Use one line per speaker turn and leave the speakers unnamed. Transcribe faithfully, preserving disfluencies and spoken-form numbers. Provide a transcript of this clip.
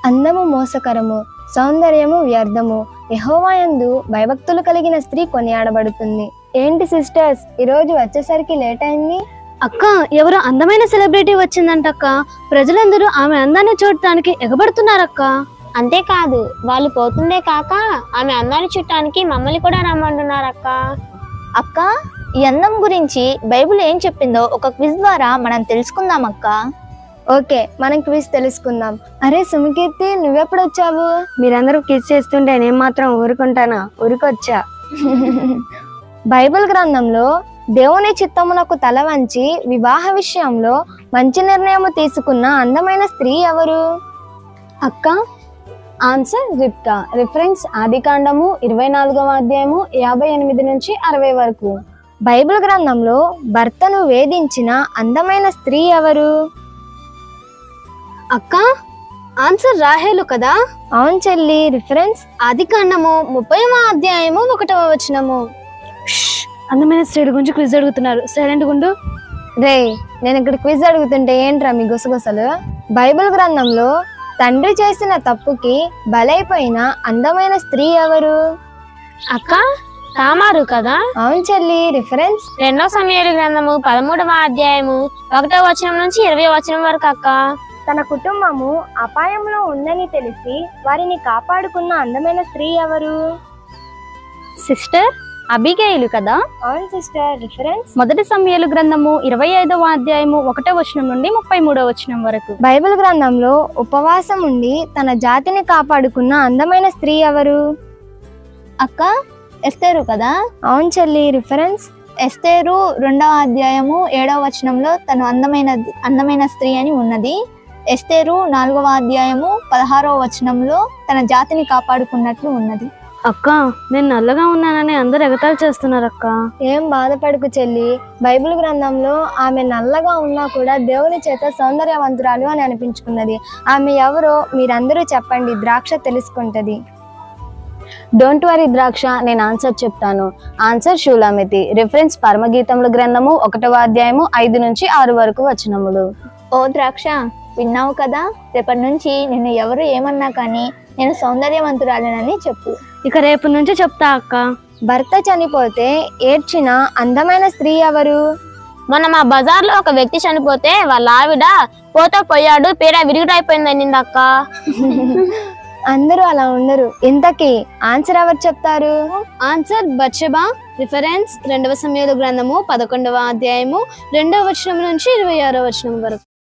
అందము మోసకరము, సౌందర్యము వ్యర్థము, యెహోవాయందు భయభక్తులు కలిగిన స్త్రీ కొనియాడబడుతుంది. ఏంటి సిస్టర్స్, ఈరోజు వచ్చేసరికి లేట్ అయింది?
అక్క, ఎవరో అందమైన సెలబ్రిటీ వచ్చిందంటక్క. ప్రజలందరూ ఆమె అందాన్ని చూడటానికి ఎగబడుతున్నారక్క.
అంతేకాదు, వాళ్ళు పోతుందే కాక ఆమె అందాన్ని చుట్టానికి మమ్మల్ని కూడా రమ్మంటున్నారక్క.
అక్క, ఈ అందం గురించి బైబిల్ ఏం చెప్పిందో ఒక క్విజ్ ద్వారా మనం తెలుసుకుందాం అక్క.
ఓకే, మనం క్విజ్ తెలుసుకుందాం. అరే సుమకీర్తి, నువ్వెప్పుడు వచ్చావు?
మీరందరూ కిస్ చేస్తుంటే నేను మాత్రం ఊరుకుంటానా? ఊరుకొచ్చా.
బైబిల్ గ్రంథంలో దేవుని చిత్తమునకు తల వంచి వివాహ విషయంలో మంచి నిర్ణయం తీసుకున్న అందమైన స్త్రీ ఎవరు?
అక్క, ఆన్సర్ రిబ్కా. రిఫరెన్స్ ఆదికాండము ఇరవై నాలుగవ అధ్యాయము యాభై ఎనిమిది నుంచి అరవై వరకు.
బైబిల్ గ్రంథంలో భర్తను వేధించిన అందమైన స్త్రీ ఎవరు?
అక్క, ఆన్సర్ రాహేలు కదా?
అవును చెల్లి. రిఫరెన్స్
ఆదికాండము ముప్పైవ అధ్యాయము ఒకటవ వచనము. అందమైన స్త్రీ గురించి క్విజ్ అడుగుతున్నారు, సైలెంట్ గుండు.
రే, నేను ఇక్కడ క్విజ్ అడుగుతుంటే ఏంట్రా మీ గుసగుసలు? బైబిల్ గ్రంథంలో తండ్రి చేసిన తప్పుకి బలైపోయిన అందమైన స్త్రీ ఎవరు?
అక్క, తామారు కదా?
అవును చెల్లి. రిఫరెన్స్
రెండో సమయాల గ్రంథము పదమూడవ అధ్యాయము ఒకటో వచనం నుంచి ఇరవై వచనం వరకు అక్క.
తన కుటుంబము అపాయంలో ఉందని తెలిసి వారిని కాపాడుకున్న అందమైన స్త్రీ ఎవరు?
సిస్టర్ అబిగైలు కదా?
అవును సిస్టర్. రిఫరెన్స్
మొదటి సమయాల గ్రంథము ఇరవై ఐదవ అధ్యాయము ఒకటో వచనం నుండి ముప్పై మూడవ వచనం వరకు.
బైబిల్ గ్రంథంలో ఉపవాసం ఉండి తన జాతిని కాపాడుకున్న అందమైన స్త్రీ ఎవరు?
అక్క, ఎస్తేరు కదా?
అవును చెల్లి. రిఫరెన్స్
ఎస్తేరు రెండవ అధ్యాయము ఏడవ వచనంలో తను అందమైన అందమైన స్త్రీ అని ఉన్నది. ఎస్తేరు నాలుగవ అధ్యాయము పదహారవ వచనంలో తన జాతిని కాపాడుకున్నట్లు ఉన్నది.
అక్క, నేను నల్లగా ఉన్నానని అందరు ఎగతాళి చేస్తున్నారు అక్క.
ఏం బాధపడకు చెల్లి. బైబిల్ గ్రంథంలో ఆమె నల్లగా ఉన్నా కూడా దేవుని చేత సౌందర్యవంతురాలు అని అనిపించుకున్నది. ఆమె ఎవరో మీరందరూ చెప్పండి, ద్రాక్ష తెలుసుకుంటది.
డోంట్ వరీ ద్రాక్ష, నేను ఆన్సర్ చెప్తాను. ఆన్సర్ షూలామితి. రిఫరెన్స్ పరమగీతముల గ్రంథము ఒకటవ అధ్యాయము ఐదు నుంచి ఆరు వరకు వచనములు.
ఓ ద్రాక్ష, విన్నావు కదా? రేపటి నుంచి నిన్ను ఎవరు ఏమన్నా కానీ నేను సౌందర్యవంతురాలేనని చెప్పు.
ఇక రేపు నుంచి చెప్తా అక్క.
భర్త చనిపోతే ఏడ్చిన అందమైన స్త్రీ ఎవరు?
మొన్న మా బజార్ లో ఒక వ్యక్తి చనిపోతే వాళ్ళ ఆవిడ పోతో పోయాడు, పీడ విరుగుడైపోయిందని అక్క.
అందరూ అలా ఉండరు. ఇంతకీ ఆన్సర్ ఎవరు చెప్తారు?
Answer Bathsheba. రిఫరెన్స్ రెండవ సమయాల గ్రంథము పదకొండవ అధ్యాయము రెండవ వచనం నుంచి ఇరవై ఆరో వచనం వరకు.